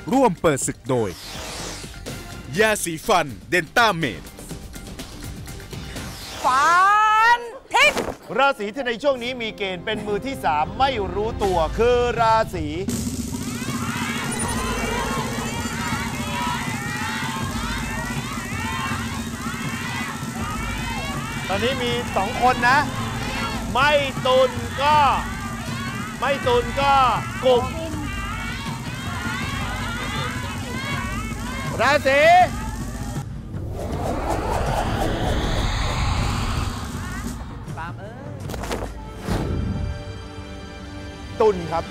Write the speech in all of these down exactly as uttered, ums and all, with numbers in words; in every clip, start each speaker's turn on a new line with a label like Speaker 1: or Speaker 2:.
Speaker 1: ร่วมเปิดศึกโดยยาสีฟันเดนต้าเมด
Speaker 2: ฟันทิศ
Speaker 3: ราศีที่ในช่วงนี้มีเกณฑ์เป็นมือที่สามไม่รู้ตัวคือราศีตอนนี้มีสองคนนะไม่ตุลก็ไม่ตุลก็กลุ่มราศีตุลครับ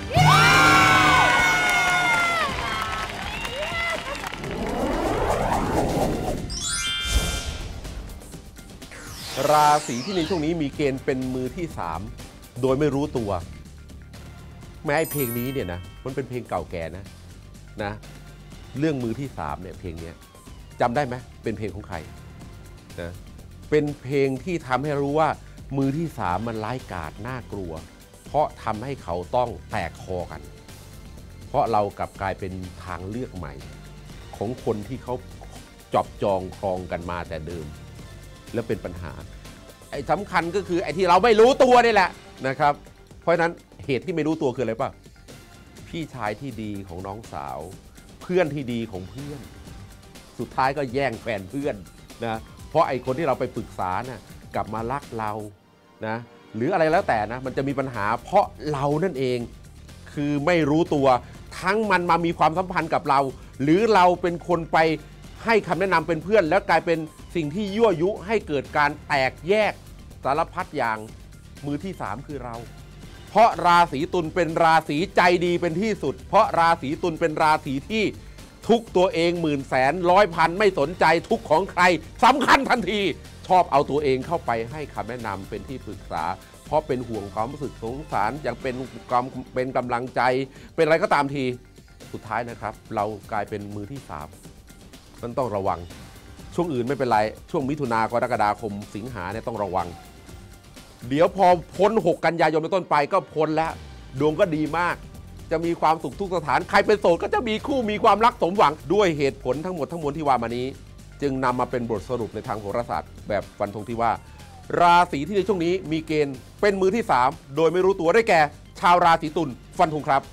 Speaker 4: ราศีที่ในช่วงนี้มีเกณฑ์เป็นมือที่สามโดยไม่รู้ตัวแม้ไอ้เพลงนี้เนี่ยนะมันเป็นเพลงเก่าแก่นะนะเรื่องมือที่สามเนี่ยเพลงนี้จำได้ไหมเป็นเพลงของใครนะเป็นเพลงที่ทำให้รู้ว่ามือที่สามมันร้ายกาจน่ากลัวเพราะทำให้เขาต้องแตกคอกันเพราะเรากลับกลายเป็นทางเลือกใหม่ของคนที่เขาจอบจองครองกันมาแต่เดิมแล้วเป็นปัญหาไอ้สำคัญก็คือไอ้ที่เราไม่รู้ตัวนี่แหละนะครับเพราะฉะนั้นเหตุที่ไม่รู้ตัวคืออะไรป่ะพี่ชายที่ดีของน้องสาวเพื่อนที่ดีของเพื่อนสุดท้ายก็แย่งแฟนเพื่อนนะเพราะไอ้คนที่เราไปปรึกษานะกลับมารักเรานะหรืออะไรแล้วแต่นะมันจะมีปัญหาเพราะเรานั่นเองคือไม่รู้ตัวทั้งมันมามีความสัมพันธ์กับเราหรือเราเป็นคนไปให้คำแนะนำเป็นเพื่อนแล้วกลายเป็นสิ่งที่ยั่วยุให้เกิดการแตกแยกสารพัดอย่างมือที่สามคือเราเพราะราศีตุลเป็นราศีใจดีเป็นที่สุดเพราะราศีตุลเป็นราศีที่ทุกตัวเองหมื่นแสนร้อยพันไม่สนใจทุกของใครสำคัญทันทีชอบเอาตัวเองเข้าไปให้คำแนะนำเป็นที่ปรึกษาเพราะเป็นห่วงความรู้สึกสงสารอย่างเป็นความเป็นกำลังใจเป็นอะไรก็ตามทีสุดท้ายนะครับเรากลายเป็นมือที่สามมันต้องระวังช่วงอื่นไม่เป็นไรช่วงมิถุนากรกฎาคมสิงหาเนี่ยต้องระวังเดี๋ยวพอพ้นหกกันยายนเป็นต้นไปก็พ้นแล้วดวงก็ดีมากจะมีความสุขทุกสถานใครเป็นโสดก็จะมีคู่มีความรักสมหวังด้วยเหตุผลทั้งหมดทั้งมวลที่ว่ามานี้จึงนำมาเป็นบทสรุปในทางโหราศาสตร์แบบฟันธงที่ว่าราศีที่ในช่วงนี้มีเกณฑ์เป็นมือที่สามโดยไม่รู้ตัวได้แก่ชาวราศีตุลฟันธงครับ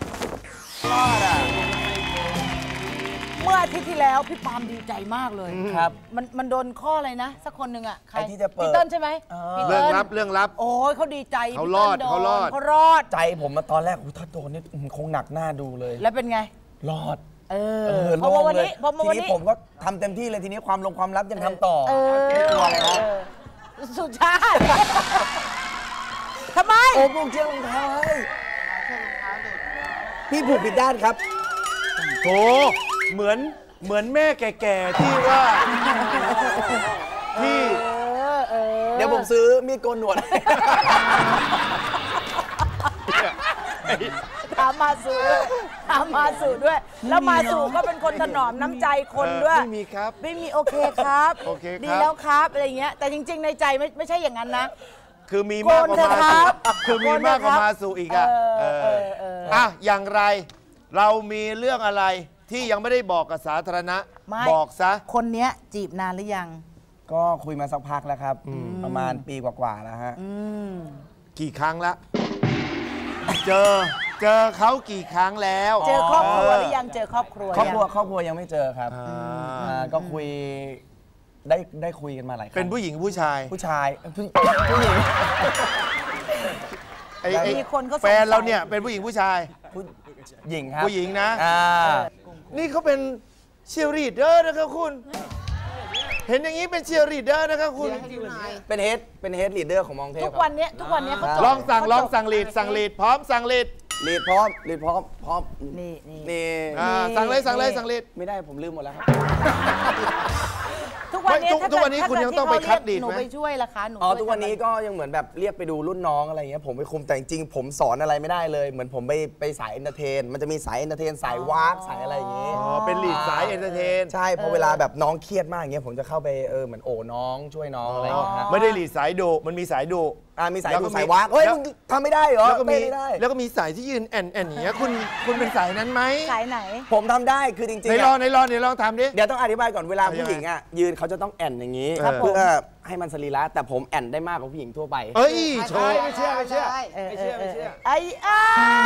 Speaker 2: เมื่ออาทิตย์ที่แล้วพี่ปาล์มดีใจมากเลย
Speaker 5: ครับ
Speaker 2: มันมันโดนข้ออะไรนะสักคนหนึ่งอ่ะใคร
Speaker 5: ที่จะเปิด
Speaker 2: พี่เติ้ลใช่ไหม
Speaker 3: เรื่องลับเรื่องลับ
Speaker 2: โอ้ยเขาดีใจ
Speaker 3: เขารอดเขารอด
Speaker 2: เขารอด
Speaker 5: ใจผมมาตอนแรกถ้าโดนนี่คงหนักหน้าดูเลย
Speaker 2: แล้วเป็นไง
Speaker 5: รอด
Speaker 2: เออเพราะว่าวันนี้เพราะว่าวันนี้
Speaker 5: ผมก็ทำเต็มที่เลยทีนี้ความลงความลับยังทำต่อ
Speaker 2: เออสุชาติทำไม
Speaker 5: โอ้ผูกเชือกรองเท้าให้พี่ผูกผิดด้านครับ
Speaker 3: โถเหมือนเหมือนแม่แก่ๆที่ว่าที่
Speaker 5: เดี๋ยวผมซื้อมีดโกนหนวด
Speaker 2: ถามมาสู่ถามมาสู่ด้วยแล้วมาสู่ก็เป็นคนถนอมน้ำใจคนด้วย
Speaker 3: ไม่มีครับ
Speaker 2: ไม่มีโอเคครับ
Speaker 3: โอเค
Speaker 2: ดีแล้วครับอะไรเงี้ยแต่จริงๆในใจไม่ไม่ใช่อย่างนั้นนะ
Speaker 3: คือมีมากกว่ามาสู่คือมีมากกว่ามาสู่อีกอ่ะอ่ะอย่างไรเรามีเรื่องอะไรที่ยังไม่ได้บอกกับสาธารณะบอกซะ
Speaker 2: คนเนี้ยจีบนานหรือยัง
Speaker 5: ก็คุยมาสักพักแล้วครับประมาณปีกว่าๆแล้วฮะ
Speaker 3: กี่ครั้งละเจอเจอเขากี่ครั้งแล้ว
Speaker 2: เจอครอบครัวหรือยังเจอครอบครัว
Speaker 5: ครอบครัวครอบครัวยังไม่เจอครับก็คุยได้ได้คุยกันมาหลายครั้ง
Speaker 3: เป็นผู้หญิงผู้ชาย
Speaker 5: ผู้ชายผู้หญิง
Speaker 2: มีคนเขา
Speaker 3: แฟนเราเนี่ยเป็นผู้หญิงผู้ชาย
Speaker 5: ผู้หญิงครับ
Speaker 3: ผู้หญิงนะนี่เขาเป็นเชียร์ลีดเดอร์นะครับคุณเห็นอย่างนี้เป็นเชียร์ลีดเดอร์นะครับคุณ
Speaker 5: เป็นเฮดเป็นเฮดลีดเดอร์ของมองเทพ
Speaker 2: ทุกวันนี้ทุกวันนี้เขา
Speaker 3: ลองสั่งลองสั่งลีดสั่งลีดพร้อมสั่งลีด
Speaker 5: ลีดพร้อมลีดพร้อมพร้อม
Speaker 2: นี่
Speaker 5: นี่
Speaker 3: สั่งเลยสั่งเลยสั่งลีด
Speaker 5: ไม่ได้ผมลืมหมดแล้วครับ
Speaker 2: ทุกวันนี้
Speaker 3: ทุกวันนี้คุณยังต้องไปคัดลีดไหม
Speaker 2: หนูไปช่วยล่ะคะหนู
Speaker 5: อ๋อทุกวันนี้ก็ยังเหมือนแบบเรียกไปดูรุ่นน้องอะไรเงี้ยผมไปคุมแต่จริงๆผมสอนอะไรไม่ได้เลยเหมือนผมไปไปสายเอนเตอร์เทนมันจะมีสายเอนเตอร์เทนสายวากสายอะไรอย่างงี้
Speaker 3: อ๋อเป็นลีดสายเอนเตอร์เทน
Speaker 5: ใช่พอเวลาแบบน้องเครียดมากอย่างเงี้ยผมจะเข้าไปเออเหมือนโอ้น้องช่วยน้องอะไรอย่างเงี้ย
Speaker 3: ไม่ได้ลีดสายดุมันมีสายดุ
Speaker 5: อ่ามีสาย
Speaker 3: แล้วก็
Speaker 5: ดู
Speaker 3: มี
Speaker 5: สายวากเฮ้ย
Speaker 3: แล้ว
Speaker 5: มึงทำไม่ได้เหรอ
Speaker 3: แล้วก็มี
Speaker 5: เต้นไม่ได้
Speaker 3: แล้วก็มีสายที่ยืนแอนแอนอย่างเงี้ยคุณคุณเป็นสายนั้นไหม
Speaker 2: สายไหน
Speaker 5: ผมทำได้คือจริง
Speaker 3: ไหน
Speaker 5: ๆ
Speaker 3: ลอง
Speaker 5: อะ
Speaker 3: ไหนลองไหนลองทำดิ
Speaker 5: เดี๋ยวต้องอธิบายก่อนเวลา
Speaker 3: เอายังไง
Speaker 5: ผู้หญิงอ่ะยืนเขาจะต้องแอนอย่างนี้
Speaker 3: ครับผม
Speaker 5: เพื่อให้มันสรีระแต่ผมแอนได้มากกว่าผู้หญิงทั่วไป
Speaker 3: เอ้ยโชว์
Speaker 5: ไม่เชื่อไม่เชื่อ
Speaker 2: เออ
Speaker 5: ไม่เชื่อไม่เชื่อ
Speaker 2: ไอ้อ้า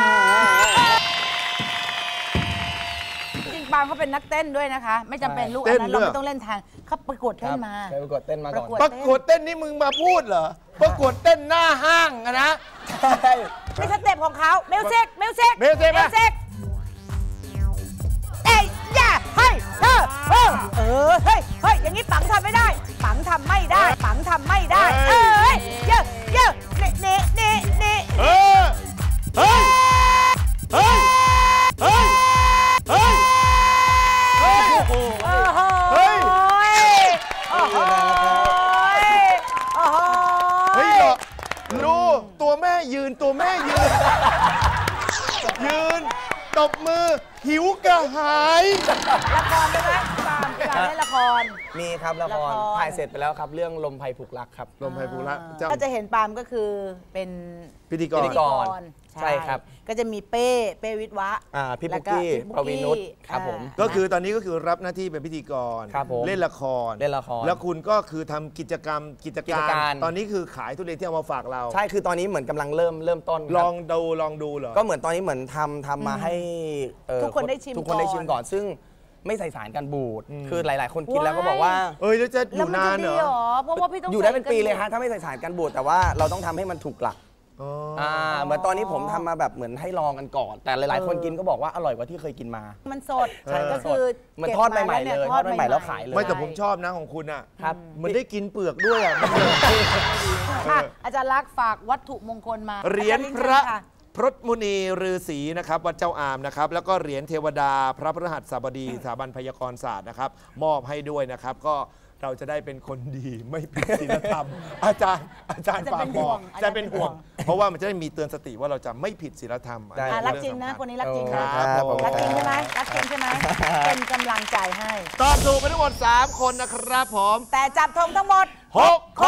Speaker 2: จริงๆปาล์มเขาเป็นนักเต้นด้วยนะคะ ไม่จำเป็นลูกอันนั้นเราไม่ต้องเล่นทางเขาประกวดเต้นมา
Speaker 5: เคยประกวดเต้นมาก่อน
Speaker 2: ประกวด
Speaker 3: ประกวดเต้นนี่มึงมาพูดเหรอประกวดเต้นหน้าห้างอะนะ
Speaker 2: ไม่สเต็ปของเขาเมลเซกเมลเซก
Speaker 3: เมลเซกไหม
Speaker 2: เซกเอ้ยอย่าเฮ้ยเออเออเออเฮ้ยเฮ้ยอย่างนี้ปังทำไม่ได้ ปังทำไม่ได้ปังทำไม่ได้เอ้ยเยอะเยอะเน่เน่เน่เน่
Speaker 3: เออเฮ้ยเฮ้ยเฮ้ยเฮ้ยเฮ้ยโอ้โห
Speaker 2: โอ้โห
Speaker 3: เฮ้ย
Speaker 2: โอ้โหโอ้โห
Speaker 3: เฮ้ยเหรอรู้ตัวแม่ยืนตัวแม่ยืน ยืนตบมือหิวกระหาย
Speaker 2: ละครได้ไหมปาล์มปาล์มเล่นละคร
Speaker 5: มีครับละคร
Speaker 2: ละคร
Speaker 5: ถ่ายเสร็จไปแล้วครับเรื่องลมไพผูกรักครับ
Speaker 3: ลมไพภูระเจ้า
Speaker 2: ก็จะเห็นปาล์มก็คือเป็น
Speaker 3: พิธีก
Speaker 5: พิ
Speaker 3: ร
Speaker 5: ธีกร ใช่ครับ
Speaker 2: ก็จะมีเป้เป้วิทย์วะ
Speaker 5: อ่าพี่
Speaker 2: แล้
Speaker 5: ปุ๊
Speaker 2: ว
Speaker 5: กกี้
Speaker 2: พี่
Speaker 5: ปวีนุชครับผม
Speaker 2: อ่า
Speaker 3: ก็คือตอนนี้ก็คือรับหน้าที่เป็นพิธีกร
Speaker 5: ครับผม
Speaker 3: เล่นละคร
Speaker 5: เล่นละคร
Speaker 3: แล้วคุณก็คือทำกิจกรรมกิจ
Speaker 5: กิ
Speaker 3: กา
Speaker 5: จการ
Speaker 3: ร ตอนนี้คือขายทุเรียนที่เอามาฝากเรา
Speaker 5: ใช่คือตอนนี้เหมือนกำลังเริ่มเริ่มต้นครับ
Speaker 3: ลองดูลองดูเหรอ
Speaker 5: ก็เหมือนตอนนี้เหมือนทำทำมาให้เอ่อ
Speaker 2: ทุกคนได้ชิม
Speaker 5: ทุกคนได้
Speaker 2: ก่อน
Speaker 5: ชิมก่อน ซึ่งไม่ใส่สารกันบูดคือหลาย ๆ คนกินแล้วก็บอกว่า
Speaker 3: เอ้ยแล้วจะอ
Speaker 2: แล้ว
Speaker 3: ยู่
Speaker 2: มัน
Speaker 3: นา
Speaker 2: จะ
Speaker 3: นเหร
Speaker 2: ดี
Speaker 3: อ
Speaker 2: เหรอเพราะว่าพี่ต้อง
Speaker 5: อยู่ได้เป็นปีเลย
Speaker 2: ใส่
Speaker 5: ฮะถ้าไม่ใส่สารกันบูดแต่ว่าเราต้องทำให้มันถูกหลัก
Speaker 3: อ๋อ
Speaker 5: อ่าเหมือนตอนนี้ผมทำมาแบบเหมือนให้ลองกันก่อน แต่หลาย ๆ คนกินก็บอกว่าอร่อยกว่าที่เคยกินมา
Speaker 2: มันสด
Speaker 3: ใช่
Speaker 2: ก็คือ
Speaker 5: เหมือนทอดใหม่ๆเลยทอดใหม่ๆแล้วขายเลย
Speaker 3: ไม่แต่ผมชอบนะของคุณอ่ะ
Speaker 5: ครับ
Speaker 3: มันได้กินเปลือกด้วยอ่ะ
Speaker 2: อ่ะอาจารย์ลักษณ์ฝากวัตถุมงคลมา
Speaker 3: เหรียญ
Speaker 2: อาจา
Speaker 3: พ
Speaker 2: ลิง
Speaker 3: ระ
Speaker 2: เชิญค่
Speaker 3: พรตมุนีฤาษีนะครับวัดเจ้าอามนะครับแล้วก็เหรียญเทวดา พระพฤหัสบดีสถาบันพยากรศาสตร์นะครับมอบให้ด้วยนะครับ ก็เราจะได้เป็นคนดีไม่ผิดศีลธรรม อาจารย์อาจารย์ฝากบอกจะเป็นห่วง เพราะว่ามันจะได้มีเตือนสติว่าเราจะไม่ผิดศีลธรรม
Speaker 5: ได้
Speaker 2: อ่ะ
Speaker 3: อั
Speaker 2: รัก
Speaker 3: เป็
Speaker 2: จริงนะ
Speaker 3: เอ
Speaker 2: คน
Speaker 3: สำญ
Speaker 2: นี้รักจริงนะ
Speaker 3: ครับผม
Speaker 2: รักจริงใช่ไหมรักจริงใช่ไหมเป็นกำลังใจให้
Speaker 3: ตอบถูกไปทั้งหมดสามคนนะครับผม
Speaker 2: แต่จับธงทั้งหมด
Speaker 3: หกคน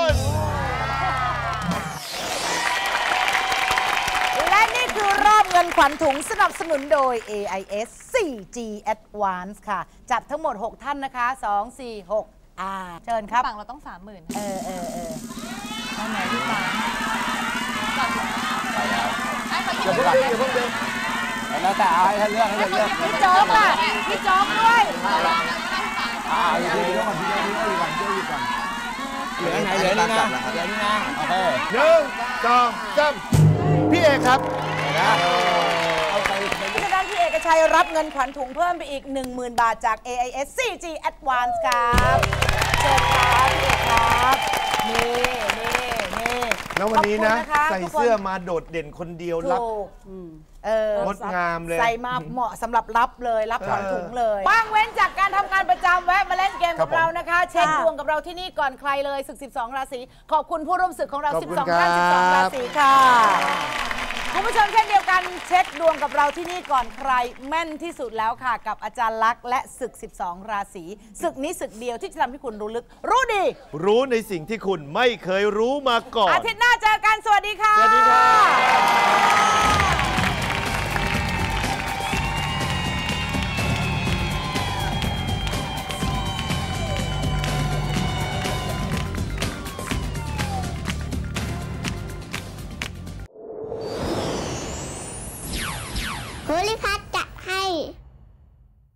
Speaker 2: และนี่คือรอบเงินขวัญถุงสนับสนุนโดย เอ ไอ เอส โฟร์จี Advance ค่ะ จับทั้งหมด หก ท่านนะคะสอง สี่ หกอ่าเชิญครับ
Speaker 6: ฝั่งเราต้องสามหมื่น
Speaker 2: เออเออเออเอาไหนดีกว่า
Speaker 5: แล้วแต่เอาให้ท่านเลือกให้ท่านเลือก
Speaker 2: พี่โจ๊กล่ะพี่โจ๊กด้วย
Speaker 5: อ่าอยู่ดีๆก่อนพี่เจ้าพี่ก่อนพี่ก่อนเหลือไหนเหลือนี่นะเหลือนี่นะโอเค
Speaker 3: หนึ่งสองสามพี่เอกครับ
Speaker 2: เพราะฉะนั้นพี่เอกชัยรับเงินขวัญถุงเพิ่มไปอีก หนึ่งหมื่น บาทจาก เอ ไอ เอส โฟร์จี Advance ครับเชิญครับพี่เอกครับนี่นี่นี่
Speaker 3: แล้ววันนี้นะ
Speaker 2: ขอบคุณค
Speaker 3: ใส่
Speaker 2: ทุกคน
Speaker 3: เสื้อมาโดดเด่นคนเดียวรับ
Speaker 2: ถูกเออง
Speaker 3: ดงามเลย
Speaker 2: ใส่มาเหมาะสำหรับรับเลยรับขวัญถุงเลยว่างเว้นจากการทำงานประจำแวะมาเล่นเกม
Speaker 3: ครั
Speaker 2: กั
Speaker 3: บบ ผม
Speaker 2: เรานะคะ เช็คดวงกับเราที่นี่ก่อนใครเลยศึก สิบสอง ราศีขอบคุณผู้ร่วมศึกของเรา
Speaker 3: ขอบ
Speaker 2: สิบ
Speaker 3: คุณ
Speaker 2: สอง ท่าน
Speaker 3: ครับ
Speaker 2: สิบสอง ราศีค่ะคุณผู้ชมเช่นเดียวกันเช็คดวงกับเราที่นี่ก่อนใครแม่นที่สุดแล้วค่ะ กับอาจารย์ลักษณ์และศึก สิบสอง ราศีศึกนี้ศึกเดียวที่จะทำให้คุณรู้ลึก รู้ดี
Speaker 3: รู้ในสิ่งที่คุณไม่เคยรู้มาก่อน
Speaker 2: อาทิตย์หน้าเจอกันสวัสดีค่ะ
Speaker 3: สวัสดีครับ
Speaker 7: ภูริพัฒน์